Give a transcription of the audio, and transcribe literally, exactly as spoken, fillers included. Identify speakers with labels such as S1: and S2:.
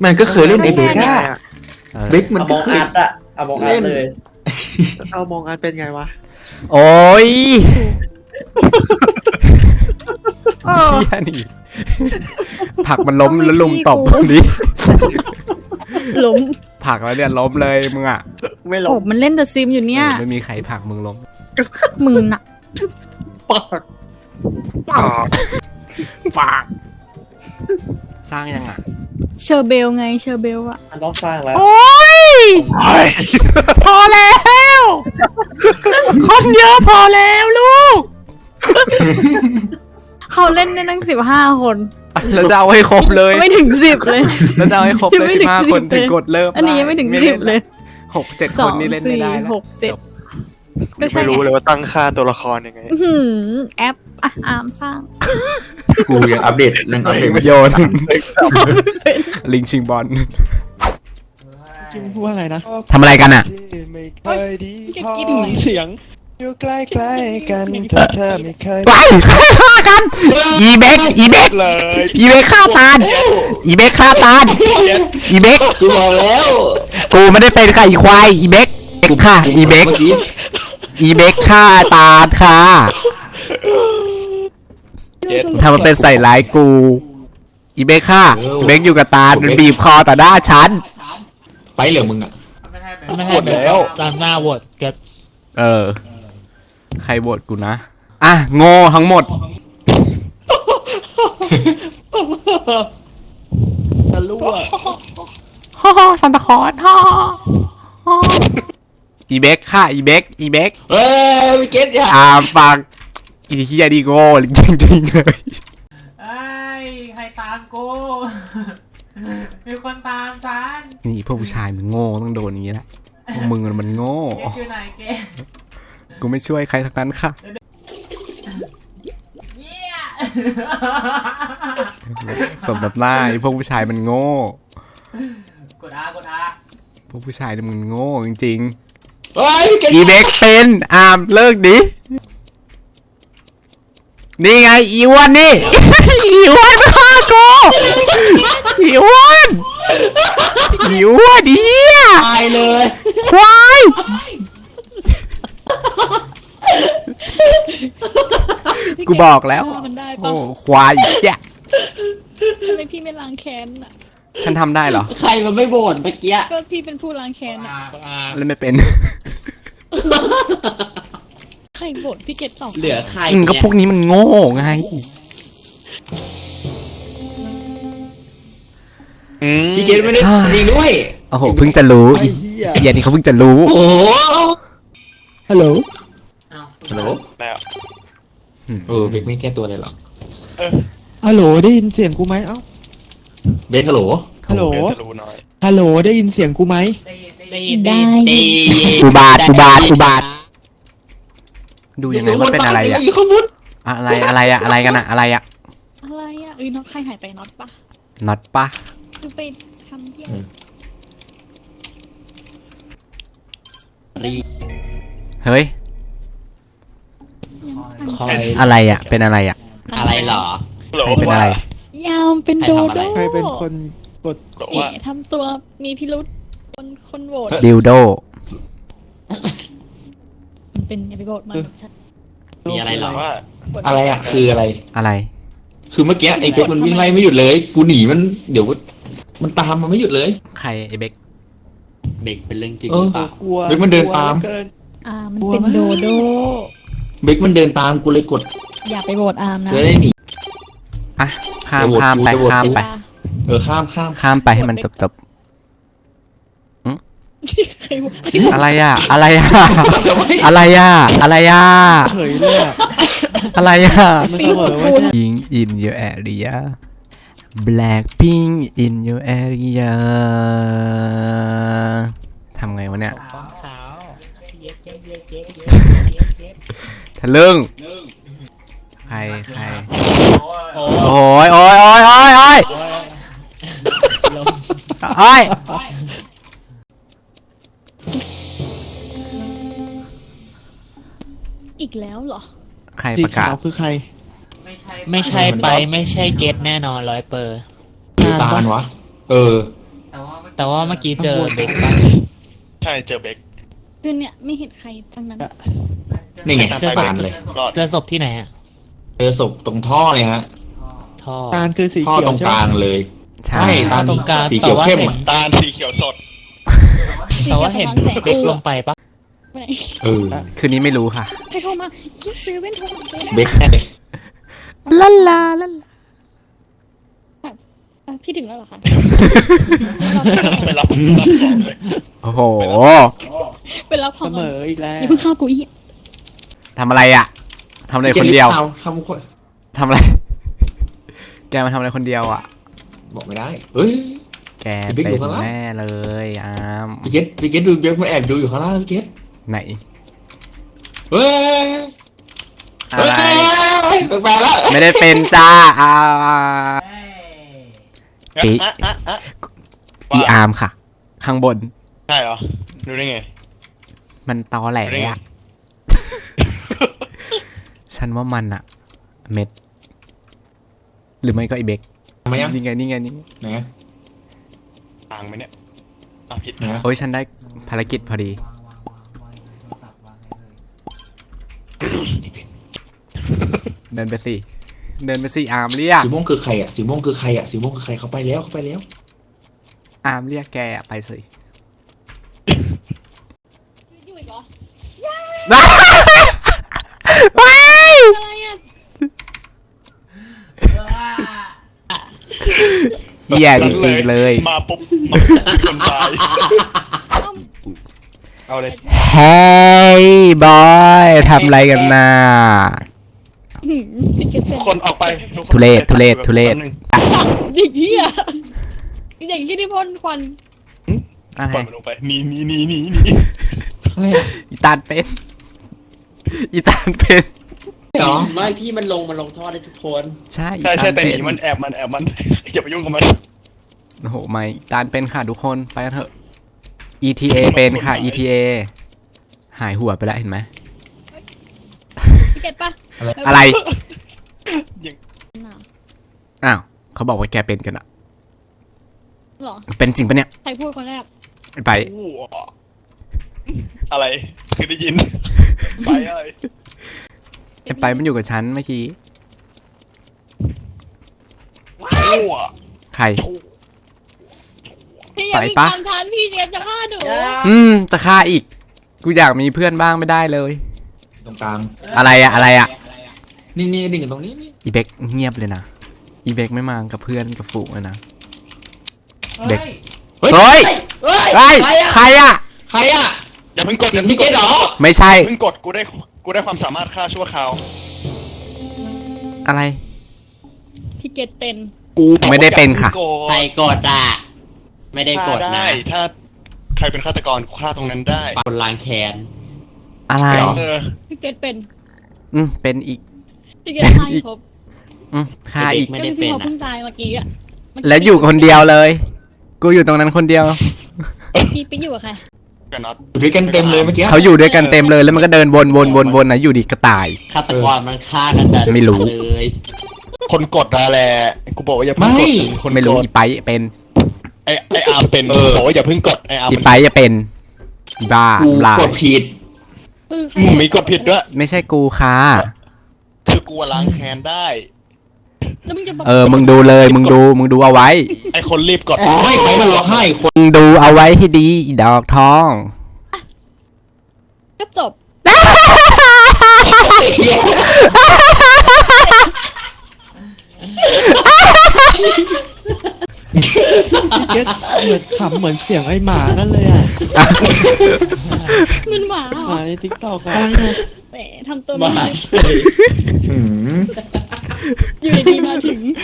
S1: มันก็เคยเล่นไอเบก้าเบกมันก็เคย
S2: อะเอามองอัดเลย
S3: เอามองอันเป็นไงวะ
S4: โอ้ยเฮียนี่ผักมันล้มแล้วลุมตบตรงนี้
S5: ล้ม
S4: ผักแล้วเนี่ยล้มเลยมึงอ่ะ
S3: ไม่ล
S5: โอ้
S3: ง
S5: มันเล่นเดอะซิมอยู่เนี่ย
S4: ไม่มีใครผักมึงล้ม
S5: มึงน่ะ
S3: ปาก
S4: ปากสร้างยังอ่ะ
S5: เชอร์เบลไงเชอร์เบลอะ
S2: มันต้องสร้างแล้ว
S5: โอ้ยพอแล้วคนเยอะพอแล้วลูกเขาเล่นได้ตั้งสิบห้าคน
S4: แล้วจะเอาให้ครบเลย
S5: ไม่ถึงสิบเลย
S4: แล้วจะเอาให้ครบเลยสิบห้าคนถึงกดเริ่ม
S5: อันนี้ยังไม่ถึงสิบเลย
S4: หกเจ็ด
S5: ส
S4: ค
S5: อน ง
S4: นี่เล่นไม่
S5: สี่
S4: ได้แล้ว
S5: หกเจ็ดก็ใช่
S3: ไม่รู้เลยว่าตั้งค่าตัวละครยังไง
S5: อื้อหือแอปอ่ะอามสร้าง
S1: กูยังอัปเดตเรื่องอัปเดตไม่
S4: โยนลิงชิงบอล
S3: กินพูดอะไรนะ
S4: ทำอะไรกันอ่ะ
S3: ไม่เคยดีพอเสียงอยู่ใกล้ๆกันถ้าเธอไม่เคย
S4: ไปฆ่ากันอีเบกอีเบก
S3: เลย
S4: อีเบกฆ่าตาลอีเบกฆ่าตาลอีเบก
S1: กูบอกแล้ว
S4: กูไม่ได้เป็นค่ะอีควายอีเบกค่ะอีเบก
S1: เมื่อกี้
S4: อีเบกฆ่าตาลค่ะทำมันเป็นใส่ร้ายกูอีเบกค่ะอีเบกอยู่กับตาลมันบีบคอต่อหน้าฉัน
S1: ไปเหลือมึงอ่ะ
S6: ไม่ให้แล้วตามหน้าโหวตเก็บ
S4: เออใครโหวตกูนะอ่ะโง่ทั้งหมด
S3: จะรั่ว
S4: ฮ่าซันตาคอร์สฮ่าอีเบกค่ะอีเบกอีเบก
S1: เฮ้ยไม่เก็ตอย่า
S4: อ่าฟังอีเฮียดีโง่จริงๆเลย
S6: ไอ้ใครตามกูมีคนตามฉัน
S4: นี่พวกผู้ชายมันโง่ต้องโดนอย่างนี้แหละพวกมึงมันโง่
S6: เกอยู่ไหนเก
S4: กูไม่ช่วยใครทั้งนั้นค่ะ
S6: เยี่ย
S4: สมกับหน้าไอ้พวกผู้ชายมันโง่
S6: กดอากดอา
S4: พวกผู้ชายเนี่ยมันโง่จริง
S1: เฮ้ยไม่เก็ต
S4: ๆอีเบกเป็นอามเลิกดินี่ไงอีอ้วนนี่ อีอ้วนมาฆ่ากูอีอ้วนอีอ้วนดิ
S1: ตายเลย
S4: ควายกูบอกแล้ว
S5: มันได้
S4: โอ้
S5: ปะ
S4: ควายแย่
S5: ทำไมพี่ไม่ล้างแค้นอ่ะ
S4: ฉันทำได้เหรอ
S1: ใครมันไม่บ่นเมื่อกี้
S5: ก็พี่เป็นผู้ล้างแค้น
S6: กด
S5: อ่ะ
S6: อากดอา
S4: เล่นไม่เป็น
S5: ใครบ่นพี่เกดสอง
S1: เหลือใคร
S4: อืมก็
S1: เนี่ย
S4: พวกนี้มันโง่ไง
S1: พี่เก็ตไม่ได้จริงด้วย
S4: โอ้โหเพิ่งจะรู้
S3: ไอ้
S4: อี
S3: เหี้ย
S4: เฮียนี่เขาเพิ่งจะรู้
S1: โอ้โห
S3: ฮัลโหล
S1: ฮัลโหล
S3: แล้ว
S1: เออเบกไม่แก้ตัวเลยเหรอ
S3: ฮัลโหลได้ยินเสียงกูไหมเอ้า
S1: เบกฮัลโหล
S3: ฮัลโหลฮัลโหลได้ยินเสียงกูไหม
S6: ได้ยินได้
S5: ได้
S6: ยิน
S1: เอ้ย
S4: อุบาทอุบาทอุบาทดูยังไงว่าเป็นอะไรอะ
S1: อยู่ข้างบน
S4: อะไรอะไรอะอะไรกันอะอะไรอะ
S5: อะไรอ่ะเอ้ยน็อตใครหายไปน็อตปะ
S4: น็อตปะ
S5: คือไปทำเพี้ย
S1: รี
S4: เฮ้ย
S6: คอย
S4: อะไรอะเป็นอะไรอะ
S1: อะไรเหรอ
S4: ใครเป็นอะไร
S5: ยาวเป็นโดโด
S3: ใครเป็นคนกด
S5: เอ๋ทำตัวมีพิรุษคนคนโหวต
S4: ดิวโด
S5: มันเป็นอย่าไปโหวตมันชัด
S1: มีอะไรเหรอ
S5: โหวต
S1: อะไรอ่ะ คืออะไร
S4: อะไร
S1: คือเมื่อกี้ไอ้เบกมันวิ่งไล่ไม่หยุดเลย กูหนีมันเดี๋ยวมันตามมันไม่หยุดเลย
S4: ใครไอ้เบก
S1: เบกเป็นเรื่องจริง
S3: เอ
S1: ห
S3: อ
S1: รือเปล่า
S3: กลัว
S1: เฮ้ยมันเดินตาม
S3: กลัวหลือเกิน
S5: อ่ามันเป็นโดโด
S1: เบกมันเดินตามกูเลยกด
S5: อย่าไปโหวตอาร์มนะ
S1: จะได้หนี
S4: อ่ะข้าม
S1: จะโหวต
S4: ข้ามไป
S1: จะโหวต
S4: ข้ามไป
S1: เออข้ามข้าม
S4: ข้ามไปให้มันจบจบ
S5: ใครโหวต
S4: อะไรอะอะไรอะอะไรอะอะไรอะ
S3: เฉยเลยอะ
S4: อะไรอะ
S3: มันเสมอว่าเนี่ย
S4: Pink in your area Blackpink in your area ทำไงวะเนี่ย
S6: ฟองขาวเย็บเย็บเย็บเย็บเย็บเย็บ
S4: ทะลึ่งใครใคร
S6: โอ้
S4: โอ้ยโอ้ยโอ้ยโอ้ยโอ้ย
S6: ลม
S4: โอ้ย
S5: อีกแล้วเหรอ
S4: ใคร
S3: สี
S4: ประกา
S3: ขา
S4: ศ
S3: วคือใคร
S6: ไม่ใช่ไม่ใช่ไปไม่ใช่เกตแน่นอนร้อยเปอร์
S1: หรือตาลวะ เออ
S5: แต่ว่าเมื่อกี้เจอเด็กบ้าง
S3: ใช่เจอเบค
S2: คือเนี่ยไม่เห็นใครทั้งนั้น
S1: นี่ไง
S5: เจอศพ
S1: ตามเลย
S3: รอด
S5: เจอศพที่ไหนอะ
S1: เจอศพตรงท่อเลยฮะ
S5: ท่อ
S3: ตาลคือสี
S1: ท่อ
S3: เขีย
S1: ต
S3: ว
S1: รง
S3: ใช่
S1: ก
S3: ไหม
S1: ลางเลย
S4: ใช่
S1: ใช่ตา
S5: ตรงกลาง
S1: สีเขียวเข้มอะ
S3: ตาลสีเขียวสด
S5: แต่ว่าเห็นเด็กลงไปปะ
S2: ไปไหน
S1: เออ
S4: คืนนี้ไม่รู้ค่ะ
S2: ใครโทรมาคิดซื้อเว้นโทรมาซื้อ
S1: เบคแน่เลย
S4: ลาลาลาลา
S2: อ่ะพี่ถึงแล้วเหรอคะ
S3: ไปรับรับของเลย
S4: โอ้โห
S2: ไปรับข
S3: เส
S2: อง
S3: มออีกแล้ว
S2: อย่าเพิ่งเข้ากูอีก
S4: ทำอะไรอ่ะทำอะไรคนเดียว
S1: อาทำคน
S4: ทำอะไร แกมาทำอะไรคนเดียวอ่ะ
S1: บอกไม่ได้เฮ้ย
S4: แก
S1: พี่
S4: เป็
S1: บิ๊กอยู่
S4: น
S1: ข้างล่าง
S4: แน่เลยอาม
S1: พี่เกตพี่เกตดูเบคมาแอบดูอยู่ข้างล่างพี่เกต
S4: ไหน
S1: เฮ้ย
S4: อะไร
S1: เฮ้ยแปลกๆแล้ว
S4: ไม่ได้เป็นจ้าอา
S6: เฮ้ย
S4: ปี
S3: อ่ะอ่ะอ่ะ
S4: อีอาร์มค่ะ ข้างบน
S3: ใช่เหรอรู้ได้ไง
S4: มันตอแหล
S3: รู้ได้ไง
S4: อะ ฉันว่ามันอะเม็ด หรือไม่ก็ไอเบก
S1: ทำไมยัง
S4: นี่ไงนี่ไงนี่ไง
S1: ไหน
S3: ต่างไหมเนี่ยอ่ะผิด
S1: ไหน
S3: นะ
S4: โอ้ยฉันได้ภารกิจพอดี
S6: วางวางวางวางโทรศัพท์วางให้เลย
S4: เดินไปสิ เดินไปสิอาร์มเรียก
S1: สีม่วงคือใครอ่ะสีม่วงคือใครอ่ะสีม่วงคือใครเขาไปแล้วเขาไปแล้ว
S4: อาร์มเรียกแกอะไปสิ
S2: อยู่อีกเหรอ
S4: ว้าย
S2: อะไรอ่ะ
S4: เหี้ยจริงๆเลย
S3: มาปุ๊บมาปุ๊บคนตาย
S2: เอ้า
S3: เอาเลย
S4: เฮ้ยบอยทำอะไรกันน่ะ
S2: หืมพี่เก็ตเป็น
S3: คนออกไปกคน
S4: ทุเรศทุเรศทุเรศ
S3: แป๊บนึง
S2: เด็กเหี้ยเด็กที่ที่พ่นควัน
S4: อะไร
S3: ปล่อยมันลงไปหนีหนีหนีหนีหนี
S4: อีตาลเป็น อีตาลเป็น
S1: เหรอ
S7: ไม่พี่มันลงมันลงท่อได้ทุกคน
S4: ใช่อี
S3: ใช่
S4: ตา
S3: ใช่
S4: ล
S3: แต่ห
S4: เป็
S3: นี
S4: น
S3: มันแอบมันแอบมัน อย่าไปยุ่งกับมัน
S4: โอ้โหไม่อีตาลเป็นค่ะทุกคนไปกันเถอะ อี ที เอ เป็นค่ะ อี ที เอ หายหัวไปแล้วเห็นไหม
S2: พี่เก็ตปะ
S4: อะไร
S2: น่ะ
S4: อ้าวเขาบอกว่าแกเป็นกันอะ
S2: หรอ
S4: เป็นจริงปะเนี่ย
S2: ใครพูดคนแรก
S4: ไป
S3: อู้อะไรคือได้ยิน ไปอะไร
S4: ไอ้ไปมันอยู่กับฉันเมื่อกี้
S3: อู้
S4: ใคร
S2: พี่อย่า
S4: ไป
S2: พี่
S4: ปะ
S2: ตามทันพี่เก็ตจะฆ่าหนู
S4: อืมจะฆ่าอีก กูอยากมีเพื่อนบ้างไม่ได้เลย
S1: ตรงกลาง
S4: อะไรอะอะไรอะ
S1: นี่นี่ดิ่งกันตรงนี้นี่
S4: อีเบกเงียบเลยนะ อีเบกไม่มากับเพื่อนกับฝูงเลยนะ เด็ก
S6: เฮ้ย
S1: เฮ้ย
S4: เฮ้ย
S7: เฮ้ย
S4: เฮ้ย ใครอะ
S1: ใครอ่ะ
S3: อย่าเพิ่งกด
S1: เสียงพี่เกตเหรอ
S4: ไม่ใช่
S3: เพิ่งกดกูได้กูได้ความสามารถฆ่าชั่วคราว
S4: อะไร
S2: พี่เก็ตเป็น
S3: กูบอกว่า
S4: ไม่ได้เป็นค่ะ
S3: อย่าพิ่ง
S7: ใครกดอ่ะ ไม่ได้กด
S3: ฆ่า
S7: นะ
S3: ได้ถ้าใครเป็นฆาตกรฆ่าตรงนั้นได้
S7: คนล้างแค้น
S4: อะไร
S3: เออ
S2: พี่เก็ตเป็น
S4: อืมเป็นอีก
S2: พี่เก็ตฆ่าอีกครบ
S4: อืมฆ่าอีก
S7: ไม่
S2: ก็
S7: ได้
S2: พี่
S7: เป็น
S2: พอ
S7: อ่ะ
S2: เพิ่งตายเมื่อกี้อ่ะเมื่กี้
S4: แล้วอยู่คนเดียวเลย กูอยู่ตรงนั้นคนเดียว
S2: พี่ไปอยู่กับใคร
S3: กับน็อต
S1: อยู่ด้วยกันเต็มเลยเมื่อกี้
S4: เขาอยู่ด้วยกันเต็มเลยแล้วมันก็เดินวนวนวนวนนะอยู่ดีก็ตาย
S7: ฆาตกรมันฆ่ากันแต่
S4: ไม่รู้
S7: เลย
S3: คนกดนะแหละกูบอกว่าอย่าเพิ่ง
S1: ไม่
S3: กดคน
S4: ไม่รู้
S3: กด
S4: อีไปเป็น
S3: ไอไออาร์มเป็นบอกว่าอย่าเพิ่งกดไออาร์ม
S4: อีไปจะเป็นอีบ้า
S1: กู
S4: ลาย
S1: กดผิด
S2: คือใคร
S3: มึงมีกดผิดด้วย
S4: ไม่ใช่กูค่ะ
S3: คือกูล้างแค้นได้
S2: แล้วมึงจะบอก
S4: เออ มึงดูเลย มึงดู มึงดูเอาไว้
S3: ไอคนรีบกด
S1: ไม่ใครมาร้องไห้คน
S4: มึงดูเอาไว้ให้ดีอีดอกทอง
S2: ก็จบ
S3: พี่เกตเหมือนขำเหมือนเสียงไอหมานั่นเลยอ่ะ
S2: มันหมาเหร
S3: หมา
S2: อ
S3: ในทิกตอกอะ
S2: แต่ทำตัว
S7: มา
S2: ไม่
S1: หืม
S2: อยู่ดีๆมาถึง